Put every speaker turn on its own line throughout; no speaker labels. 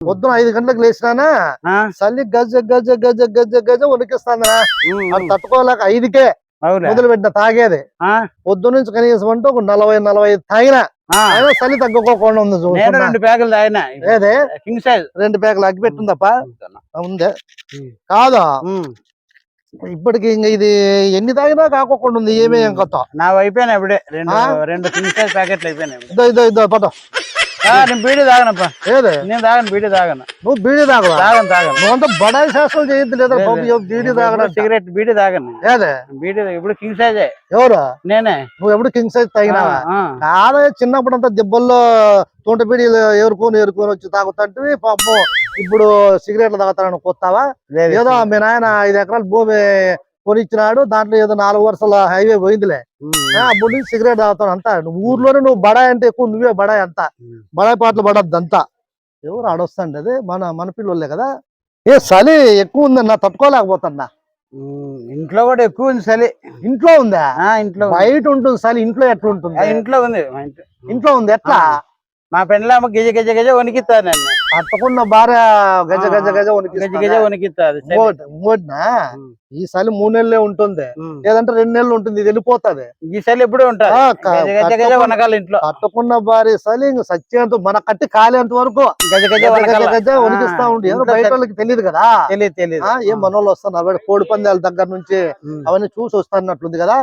పొద్దున 5 గంటలకు లేచినానా చలి గజ గజ గజ గజ గజ వణికిస్తాందా అది తట్టుకోలేక 5కే మొదలు పెట్టిన తాగేది. పొద్దు నుంచి కనీసం అంటే ఒక 40-45 తాగినా అయినా చలి తగ్గుకోకుండా ఉంది.
2 ప్యాకులు తాగినా.
ఏదే
కింగ్ సైజ్
2 ప్యాకులు అగ్గి పెట్టిందప్ప ఉందే కాదా. ఇప్పటికి ఇంకా ఇది ఎన్ని తాగినా కాకోకుండా ఉంది. ఏమేం కొత్త
నాకు అయిపోయినా ఇప్పుడే 2 కింగ్ సైజ్ ప్యాకెట్లు అయిపోయినాయి.
ఇదో పద
నేను బీడీ తాగనప్ప.
ఏదే
నేను తాగను, బీడీ తాగను.
నువ్వు బీడీ తాగవా?
తాగను.
నువ్వంతా బడాయి శాస్త్రాలు చేయొద్దు లేదా బీడీ తాగడం.
సిగరెట్ బీడీ తాగను.
ఏదే
బీడీ ఇప్పుడు కింగ్ సైజే.
ఎవరు?
నేనే.
నువ్వు ఎప్పుడు కింగ్ సైజ్ తాగినావా? కాదా చిన్నప్పుడు అంతా దెబ్బల్లో తోట బీడీలు ఏరుకొని వచ్చి తాగుతుంటే పాపం ఇప్పుడు సిగరెట్లు తాగుతానని కొత్తావా? ఏదో మీ నాయన 5 ఎకరాల భూమి కొనిచ్చినాడు, దాంట్లో ఏదో 4 వరుసల హైవే పోయిందిలే. అప్పుడు నుంచి సిగరెట్ తాగుతాను అంతా. ఊర్లోనే నువ్వు బడాయి అంటే ఎక్కువ, నువ్వే బడాయి అంతా. బడాయి పాటలు పడద్దు అంతా. ఎవరు ఆడొస్తాండి అది మన పిల్లలే కదా. ఏ చలి ఎక్కువ ఉందన్నా తట్టుకోలేకపోతున్నా.
ఇంట్లో కూడా ఎక్కువ ఉంది చలి.
ఇంట్లో ఉందా?
ఇంట్లో
బయట ఉంటుంది చలి, ఇంట్లో ఎట్లా ఉంటుంది?
ఇంట్లో ఉంది.
ఇంట్లో ఉంది. ఎట్లా?
మా పెండ్లామ గజ గజ గజ వణికిస్తాను నన్ను.
తప్పకుండా భార్య గజ గజ గజ
గజ వణికిస్తుంది.
ఇంకోటినా ఈ చలి 3 నెలలే ఉంటుంది, లేదంటే 2 నెలలు ఉంటుంది. ఇది వెళ్ళిపోతుంది.
ఈ చలి ఎప్పుడూ ఉంటుంది. వనకాలి ఇంట్లో
తప్పకుండా భార్య చలి ఇంక సత్యంతో మన కట్టి కాలేంత వరకు
గజ గజ
గజ వణికిస్తా ఉండి. బయట వాళ్ళకి తెలియదు కదా.
తెలియదు.
ఏం మనోళ్ళు వస్తున్నారు కోడి పందాల దగ్గర నుంచి అవన్నీ చూసి వస్తున్నట్లుంది కదా.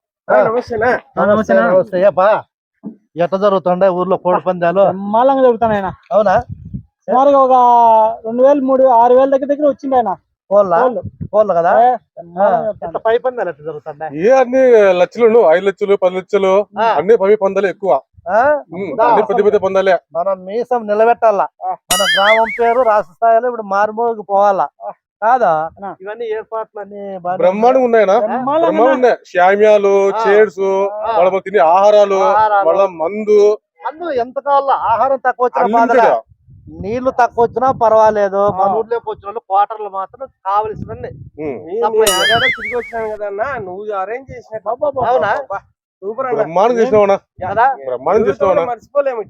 నమస్తే. ఎట్లా జరుగుతుండే ఊర్లో కోడి పందాలు?
మాలంగా జరుగుతాయి.
అవునా?
సుమారుగా ఒక 2000, 3000, 6000 దగ్గర వచ్చింది ఆయన.
కోళ్ళు కదా. పై పందాలు ఎట్లా జరుగుతుండే?
అన్ని లక్షలు, 5 లక్షలు, 10 లక్షలు అన్ని పై పందాలు ఎక్కువ. పెద్ద పెద్ద పందాలే.
మనం మీసం నిలబెట్టాలా. మన గ్రామం పేరు రాష్ట్ర స్థాయిలో ఇప్పుడు మారుమోగి పోవాలా కాదా? ఇవన్నీ ఏర్పాట్లు అన్ని
బ్రహ్మాండంగా ఉన్నాయనా? బ్రహ్మాండంగా ఉన్నాయి. శామ్యాలు, చైర్స్, వాళ్ళ తినే ఆహారాలు, వాళ్ళ మందు
ఎంత కావాలా. ఆహారం తక్కువ వచ్చినా, నీళ్లు తక్కువ వచ్చినా పర్వాలేదు. మన ఊర్లోకి వచ్చిన వాళ్ళు క్వార్టర్లు మాత్రం కావలసినన్ని
తిరిగి వచ్చినాను కదన్నా, నువ్వు అరేంజ్ చేసిన.
అవునా?
బ్రహ్మాండం చేసినావనా? బ్రహ్మాండం చేసినావనా?
మర్చిపోలేము.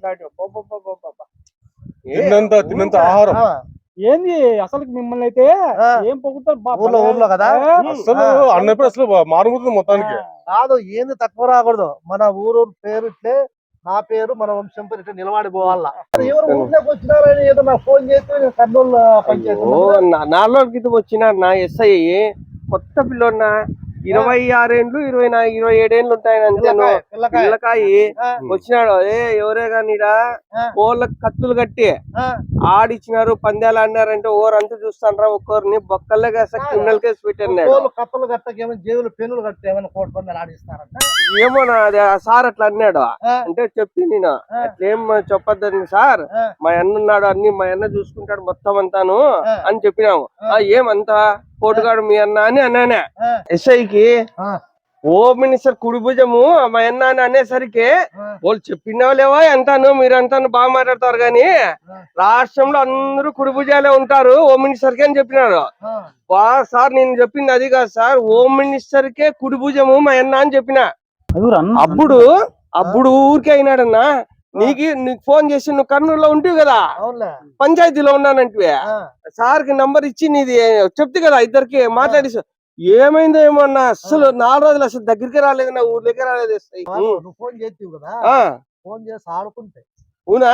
తిన్నంత ఆహారం
ఏంది అసలు మిమ్మల్ని అయితే ఏం పొగుతారు
ఊర్లో కదా.
అసలు అన్నప్పుడు అసలు మారుమూతుంది మొత్తానికి.
కాదు ఏంది తక్కువ రాకూడదు. మన ఊరు పేరు ఇట్లే, నా పేరు మన వంశం పేరు ఇట్లా నిలబడిపోవాలా. ఎవరు ఊర్లోకి వచ్చినారని ఏదో నాకు ఫోన్ చేస్తే కర్నూలు పంచాయతీ
4 రోజుల క్రితం వచ్చినారు నా ఎస్ఐ. కొత్త పిల్లోన్నా, 26 ఏండ్లు 27 ఏండ్లు ఉంటాయి అంతే. పిల్లకాయి వచ్చినాడు. ఎవరే కానీడా కోళ్ళకి కత్తులు కట్టి ఆడిచ్చినారు, పందాలు ఆడినారంటే ఓరంతా చూస్తాను రా. ఒక్కరిని బొక్కల్లే క్రిమినల్ కేసు పెట్టారు.
కత్తులు కట్టకేమో జేబులు పెన్నులు కట్టి ఏమైనా కోడి పందాలు ఆడిస్తారంట.
ఏమో అది సార్ అట్లా అన్నాడు. అంటే చెప్పి నేను అట్లేం చెప్పొద్దని సార్, మా అన్న ఉన్నాడు, అన్ని మా అన్న చూసుకుంటాడు మొత్తం అంతాను అని చెప్పినాము. ఏమంతా పోటుగాడు మీ అన్న అని అన్నానే. ఎస్ఐకి హోమ్ మినిస్టర్ కుడి భుజము మా అన్న అని అనేసరికి వాళ్ళు చెప్పినావు లేవా అంతాను, మీరంతా బాగా మాట్లాడతారు గాని రాష్ట్రంలో అందరూ కుడి భుజాలే ఉంటారు హోమ్ మినిస్టర్ కి అని చెప్పినారు. సార్ నేను చెప్పింది అది కాదు సార్, హోమ్ మినిస్టర్ కే కుడి భుజము మా అన్న అని చెప్పిన. అప్పుడు ఊరికే అయినాడన్నా. నీకు ఫోన్ చేసి నువ్వు కర్నూలులో ఉంటివి కదా, పంచాయతీలో ఉన్నానంటే సార్ కి నంబర్ ఇచ్చి నీది చెప్తే కదా, ఇద్దరికి మాట్లాడి ఏమైందో ఏమో అన్న. అసలు 4 రోజులు అసలు దగ్గరికి రాలేదు, నా ఊర్లోకి రాలేదు.
ఫోన్ చేస్తావు కదా, ఫోన్ చేసి ఆడుకుంటే
అవునా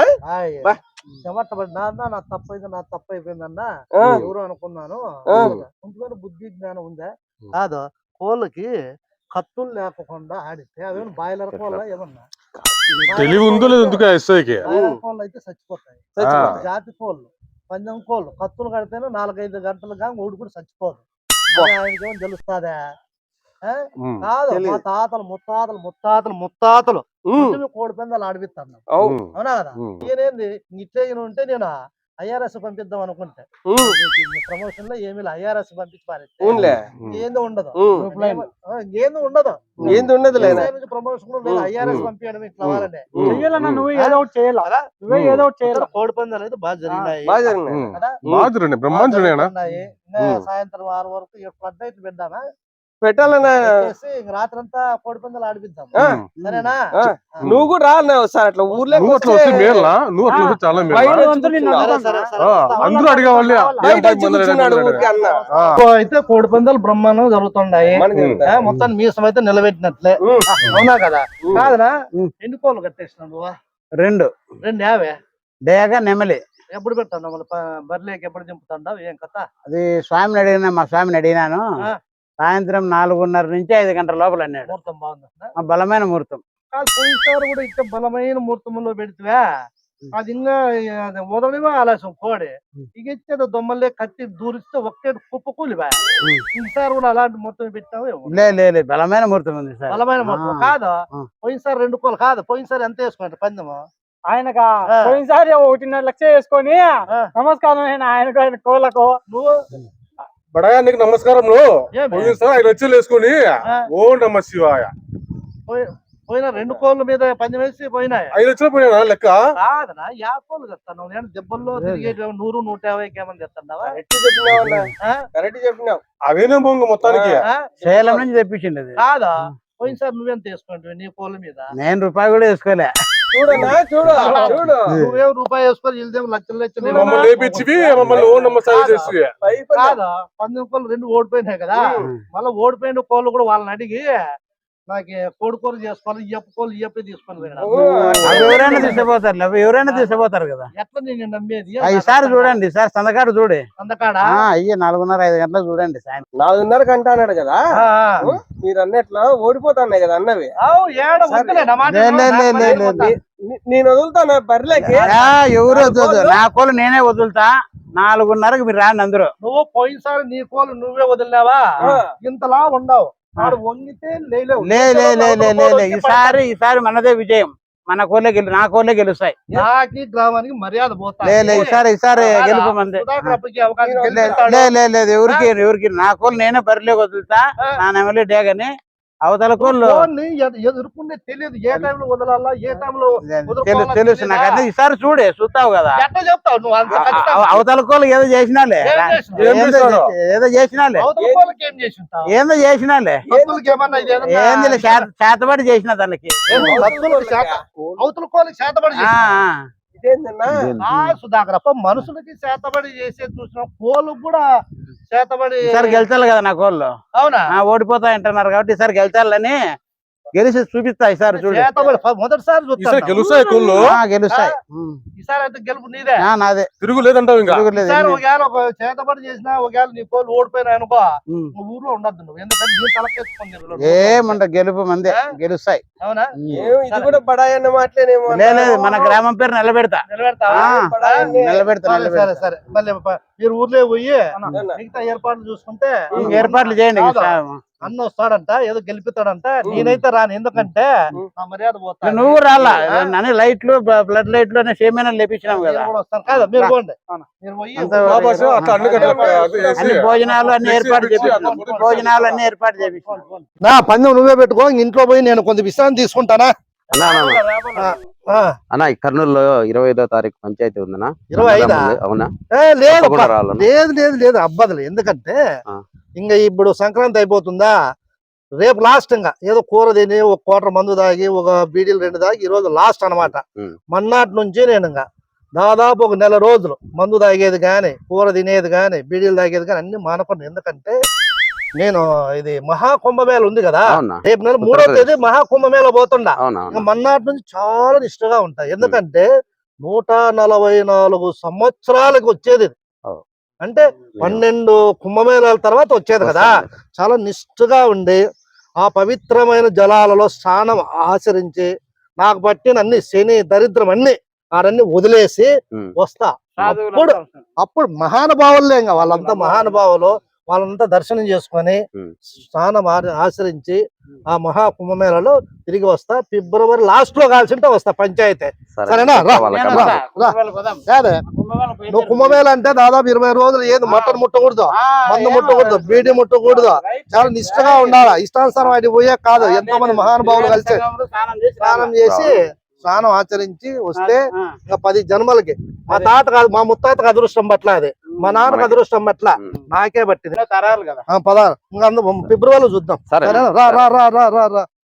నా తప్పు అయిపోయిందన్న ఎవరు అనుకున్నాను. బుద్ధి జ్ఞానం ఉందా కాదు. కోళ్ళకి కత్తులు లేకుండా ఆడితే అవేమన్నా బాయిలర్ కోళ్ళ ఏమన్నా
తెలివి ఉందో లేదు ఎందుకు ఎస్ఐకి?
కోళ్ళు అయితే చచ్చిపోతాయి. జాతి కోళ్ళు, పందెం కోళ్ళు కత్తులు కడితేనే 4-5 గంటలు కానీ ఊడుకుని చచ్చిపోదు. ఆయనకేమో తెలుస్తుందా కాదు. మా తాతలు ముత్తాతలు కోడి పందాలు ఆడిపిస్తాను. అవునా కదా? ఈయనేంది ఇట్లే ఉంటే నేను IRS పంపిద్దాం అనుకుంటే ప్రమోషన్ లో ఏమి IRS పంపించి పారేస్తే ఏందో ఉండదు, ప్రమోషన్ IRS పంపించడం ఇట్లా వాళ్ళనే చెయ్యాలన్నా. నువ్వు ఏదో ఒకటి చేయాలి, నువ్వే ఏదో ఒకటి చేయాలి. కోడి పందాలు అయితే బాగా జరిగినాయి.
సాయంత్రం 6 వరకు
పెడదామా?
పెట్టాలన్నా
పెట్టేసి ఇంక రాత్రంతా కోడి పందాలు ఆడిపిద్దాం. సరేనా?
నువ్వు కూడా రా అన్న ఒకసారి అట్లా ఊర్లో
నువ్వు అట్లా వస్తే మేలా, నువ్వు అట్లా వస్తే చాలా మేలా.
సరే, సరే,
అందరూ అడిగేవాళ్ళే
ఊరికి అన్న
అయితే కోడి పందాలు బ్రహ్మాండంగా జరుగుతున్నాయి. మొత్తం మీసం అయితే నిలబెట్టినట్లే. అవునా కదా? కాదనా? ఎన్ని కోళ్ళు కట్టేసినావు నువ్వు?
రెండు
యావే
డేగా నెమలి.
ఎప్పుడు పెట్టాను మళ్ళీ బర్లేకి ఎప్పుడు దింపుతాండావు? ఏం కథ?
అది స్వామిని అడిగినా, మా స్వామిని అడిగినాను. సాయంత్రం 4:30 నుంచి 5 గంటల లోపల అన్నాడు.
ముహూర్తం బాగుంది.
బలమైన ముహూర్తం.
కాదు, పోయినసారి కూడా ఇట్లా బలమైన ముహూర్తంలో పెడితే అది ఇంకా వదలడమే ఆలస్యం కోడి. ఇక ఇచ్చేది దొమ్మలే కత్తి దూరిస్తే ఒకే కుప్ప కూలివా. ఈసారి కూడా అలాంటి ముహూర్తం పెట్టావు?
లేదు, బలమైన ముహూర్తం ఉంది సార్.
బలమైన ముహూర్తం కాదు. పోయినసారి 2 కోళ్ళు కాదు, పోయినసారి ఎంత వేసుకోండి పందెము?
ఆయనకా పోయినసారి 1.5 లక్ష వేసుకొని నమస్కారం ఆయనకు, ఆయన కోళ్ళకు.
నువ్వు
బడాయా నీకు నమస్కారం. పోయినసారి 5 లక్షలు వేసుకొని ఓ నమ శివాయ.
పోయిన 2 కోళ్ళ మీద పందెం వేసి పోయినాయి.
5 లక్షలు పోయినా లెక్క
కాదనా? 50 కోళ్ళు తెస్తాను నేను. దెబ్బల్లో తిరిగే 100, 150 ఏమని తెస్తున్నావా?
కరెక్ట్ చెప్పినావు.
అవేనే బొంగ మొత్తానికి
సేలం నుంచి తెప్పించింది అది.
కాదా? పోయినసారి నువ్వెంత వేసుకుంటావు నీ కోళ్ళ మీద?
నేను రూపాయి కూడా వేసుకోలే.
చూడనా చూడు
నువ్వేం రూపాయి వేసుకొని వెళ్తేం లక్షలు
మమ్మల్ని లేపించి మమ్మల్ని ఓ నమ్మ సాగు చేసి
కాదా? 19 కోళ్ళు 2 ఓడిపోయినాయి కదా. మళ్ళీ ఓడిపోయిన కోళ్ళు కూడా వాళ్ళని అడిగి నాకు కోడి కూర చేసుకోవాలి, ఇయ్యప్ప కోళ్ళు ఇయ్యప్పే తీసుకొని
ఎవరైనా తీసుకుపోతారు కదా.
ఎట్లా నేను నమ్మేది?
ఈసారి చూడండి సార్, సందకాడు చూడే.
సందకాడ
అయ్యే 4:30-5 గంటలకు చూడండి సాయంత్రం.
4:30 గంట అన్నాడు కదా. మీరు అన్నట్లా ఓడిపోతాన్నాయి కదా అన్నవి. నేను వదులుతాను బర్రెలకి.
ఎవరు వద్దు, నా కోళ్ళు నేనే వదులుతా. 4:30కి మీరు రాండి అందరూ.
నువ్వు పోయినసారి నీ కోళ్ళు నువ్వే వదిలినావా? ఇంతలా ఉండవు. వంగితే
ఈసారి మనదే విజయం. మన కోళ్ళే నా కోళ్ళే గెలుస్తాయి.
నాకి గ్రామానికి మర్యాద పోతా.
ఈసారి గెలుపు మంది. లేదు, ఎవరికి నా కోళ్ళు నేనే బరిలోకి వదులుతా. నా నెమలి డేగని అవతల కోళ్ళు
ఎదుర్కొంటే తెలియదు ఏ టైంలో వదలాలా, ఏ టైంలో
తెలుసు నాకు. అన్నీ ఈసారి చూస్తావు కదా.
ఎట్లా చెప్తావు నువ్వు?
అవతల కోళ్ళు ఏదో చేసినాలే, ఏదో చేసినాలే, ఏందో చేసినాలే, ఏంది చేతబడి చేసిన దానికి.
అవతల కోళ్ళకి చేతబడి సుధాకరప్ప. మనుషులకి చేతబడి చేసే చూసిన కోళ్ళు కూడా చేతబడి.
ఈసారి గెలిచాలి కదా నా కోళ్ళు.
అవునా?
ఓడిపోతా అంటున్నారు కాబట్టి ఈసారి గెలిచాలని గెలిచి చూపిస్తా. ఈసారి చూడు,
మొదటిసారి
గెలుస్తాయి కోళ్ళు,
గెలుస్తాయి.
ఈసారి అయితే గెలుపు నీదే,
నాదే.
తిరుగులేదంటావు. ఇంకా
ఒకవేళ ఒక చేతబడి చేసినా, ఒకవేళ నీ కోళ్ళు ఓడిపోయినా అనుకో, నువ్వు ఊర్లో ఉండద్దు నువ్వు. ఎందుకంటే
ఏమంట గెలుపు మందే, గెలుస్తాయి.
అవునా?
ఇది కూడా బడాయన్న మాటలేనేమో.
లేదు, మన గ్రామం పేరు నిలబెడతా.
సరే సరే. మళ్ళీ మీరు ఊర్లో పోయి మిగతా ఏర్పాట్లు చూసుకుంటే
ఏర్పాట్లు చేయండి.
అన్న వస్తాడంట, ఏదో గెలిపిస్తాడంట. నేనైతే రాను, ఎందుకంటే నా మర్యాద పోతా.
నువ్వు రాలా? నన్ను లైట్లు, బ్లడ్ లైట్లు అనే సేమైనా లేపించినాం కదా.
కాదా? మీరు పోండి, మీరు పోయి
అన్ని భోజనాలు అన్ని ఏర్పాటు చేపించాం. భోజనాలు అన్ని ఏర్పాటు చేపించాం.
నా పందెం నువ్వే పెట్టుకో. ఇంట్లో పోయి నేను కొంత విశ్రాంతి తీసుకుంటానా?
అన్న ఈ కర్నూలులో 25వ తారీఖు పంచాయతీ ఉందనా?
25?
అవునా?
లేదు అబ్బదులు. ఎందుకంటే ఇంకా ఇప్పుడు సంక్రాంతి అయిపోతుందా, రేపు లాస్ట్. ఇంకా ఏదో కూర తిని ఒక కోటర్ మందు తాగి ఒక బీడీలు 2 తాగి ఈ రోజు లాస్ట్ అనమాట. మన్నాటి నుంచి నేను ఇంకా దాదాపు ఒక నెల రోజులు మందు తాగేది గాని, కూర తినేది గాని, బీడీలు తాగేది గాని అన్ని మానుకున్నాను. ఎందుకంటే నేను ఇది మహాకుంభమేళ ఉంది కదా, రేపు నెల 3వ తేదీ మహాకుంభమేళ పోతుండా. మన్నాటి నుంచి చాలా నిష్ఠగా ఉంటాయి. ఎందుకంటే 144 సంవత్సరాలకు వచ్చేది. అంటే 12 కుంభమేళాల తర్వాత వచ్చేది కదా. చాలా నిష్ఠగా ఉండి ఆ పవిత్రమైన జలాలలో స్నానం ఆచరించి నాకు పట్టిన అన్ని శని దరిద్రం అన్ని ఆడన్ని వదిలేసి వస్తా. అప్పుడు మహానుభావులే, ఇంకా వాళ్ళంతా మహానుభావులు. వాళ్ళంతా దర్శనం చేసుకొని స్నానం ఆచరించి ఆ మహా కుంభమేళలో తిరిగి వస్తా. ఫిబ్రవరి లాస్ట్ లో కాల్సింటే వస్తా పంచాయతీ. సరేనా? నువ్వు కుంభమేళ అంటే దాదాపు 20 రోజులు ఏది మటన్ ముట్టకూడదు, మందు ముట్టకూడదు, బీడీ ముట్టకూడదు. చాలా నిష్ఠగా ఉండాలి. ఇష్టానుసారం అది పోయే కాదు. ఎంతో మంది మహానుభావులు కలిసి స్నానం చేసి స్నానం ఆచరించి వస్తే ఇంకా 10 జన్మలకి. మా తాత కాదు, మా ముత్తాతకు అదృష్టం పట్ల అది. మా నాన్నకు అదృష్టం అట్లా నాకే పట్టింది
తరాలు కదా.
పదాలు ఇంకా ఫిబ్రవరిలో చూద్దాం
సరే
సరేనా? రా రా రా రా రా రా